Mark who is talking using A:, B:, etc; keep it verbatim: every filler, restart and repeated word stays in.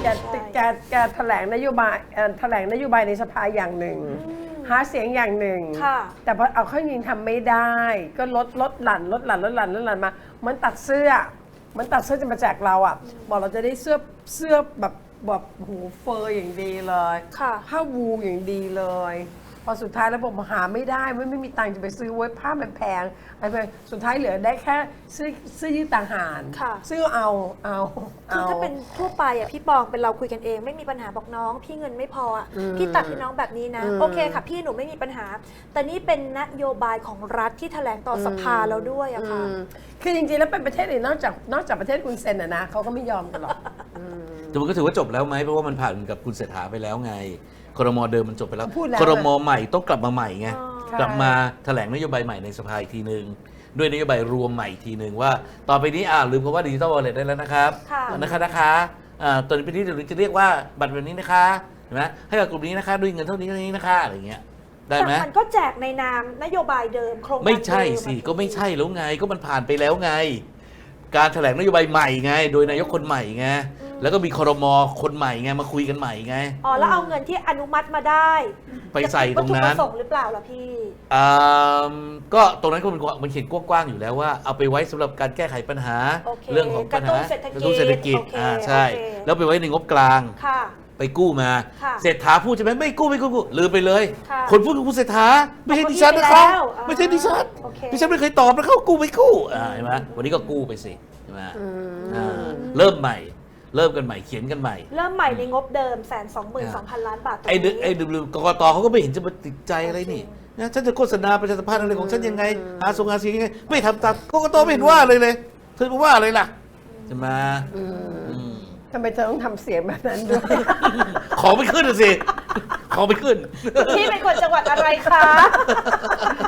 A: แกแกแกแถลงนโยบายแถลงนโยบายในสภาอย่างหนึ่งหาเสียงอย่างหนึ่งแต่พอเอาเข้าจริงทำไม่ได้ก็ลดลดหลั่นลดหลั่นลดหลั่นลดหลั่นมาเหมือนตัดเสื้อเหมือนตัดเสื้อจะมาแจกเราอ่ะบอกเราจะได้เสื้อเสื้อแบบแบบหูเฟอร์อย่างดีเลยผ้าวูลอย่างดีเลยพอสุดท้ายแล้วผมหาไม่ได้ไม่ไม่มีตังค์จะไปซื้อไว้ผ้ามันแพงอะไรไปสุดท้ายเหลือได้แค่ซื้อซื้อยืดต่างหากซื้อเอาเอา
B: คือถ้าเป็นทั่วไปอ่ะพี่ปองเป็นเราคุยกันเองไม่มีปัญหาบอกน้องพี่เงินไม่พออ่ะพี่ตัดให้น้องแบบนี้นะโอเคค่ะพี่หนูไม่มีปัญหาแต่นี่เป็นนโยบายของรัฐที่แถลงต่อสภาแล้วด้วยอะค่ะ
A: คือจริงๆแล้วเป็นประเทศอื่นนอกจากนอกจากประเทศคุณเซนอะนะเขาก็ไม่ยอมกันหรอก
C: แต่มันก็ถือว่าจบแล้วไหมเพราะว่ามันผ่านกับคุณเศรษฐาไปแล้วไงครม.เดิมมันจบไปแล้วครม.ใหม่ต้องกลับมาใหม่ไงกลับมาแถลงนโยบายใหม่ในสภาอีกทีนึงด้วยนโยบายรวมใหม่อีกทีนึงว่าต่อไปนี้อ่าลืมคำว่าดิจิทัลวอลเล็ตได้แล้วนะครับนะคะนะคะอ่าตอนนี้เดี๋ยวจะเรียกว่าบัตรแบบนี้นะคะเห็นไหมให้กับกลุ่มนี้นะคะด้วยเงินเท่านี้เท่านี้นะคะอะไรเงี้ยได้ไหม
B: แต่มันก็แจกในนามนโยบายเดิมโครงการ
C: ไม่ใช่สิก็ไม่ใช่แล้วไงก็มันผ่านไปแล้วไงการแถลงนโยบายใหม่ไงโดยนายกคนใหม่ไงแล้วก็มีครม.คนใหม่ไงมาคุยกันใหม่ไง
B: อ๋อแล้วเอาเงินที่อนุมัติมาได้
C: ไปใส่ตรงนั้น
B: วัตถุประสงค์หรือเปล่าล่ะพี่
C: อ่าก็ตรงนั้นก็มันมันเขียนกว้างๆอยู่แล้วว่าเอาไปไว้สำหรับการแก้ไขปัญหาเรื่องของปัญหากระตุ้นเศรษฐกิจอ่าใช่แล้วไปไว้ในงบกลางไปกู้มาเศรษฐาพูดใช่ไหมไม่กู้ไม่กู้ลืมไปเลยคนพูดคือคุณเศรษฐาไม่ใช่ดิฉันนะครับไม่ใช่ดิฉันดิฉันไม่เคยตอบนะเขากู้ไม่กู้เห็นไหมวันนี้ก็กู้ไปสิใช่ไหมเริ่มใหม่เริ่มกันใหม่เขียนกันใหม่
B: เริ่มใหม่ในงบเดิมแสนสองหมื่นสองพันล้านบาท
C: ไอ้ไอ้ดูกกตเขาก็ไม่เห็นจะมาติดใจอะไรนี่นะฉันจะโฆษณาประชาสัมพันธ์อะไรของฉันยังไงหาส่งงานเสียงยังไงไม่ทำตามกกตไม่เห็นว่าเลยเลยเธอมาว่าอะไรล่ะจะมา
A: ทำไมเธอต้องทำเสียงแบบนั้นด้วย
C: ขอไม่ขึ้นสิขอไม่ขึ้น
B: พี่เป็นคนจังหวัดอะไรคะ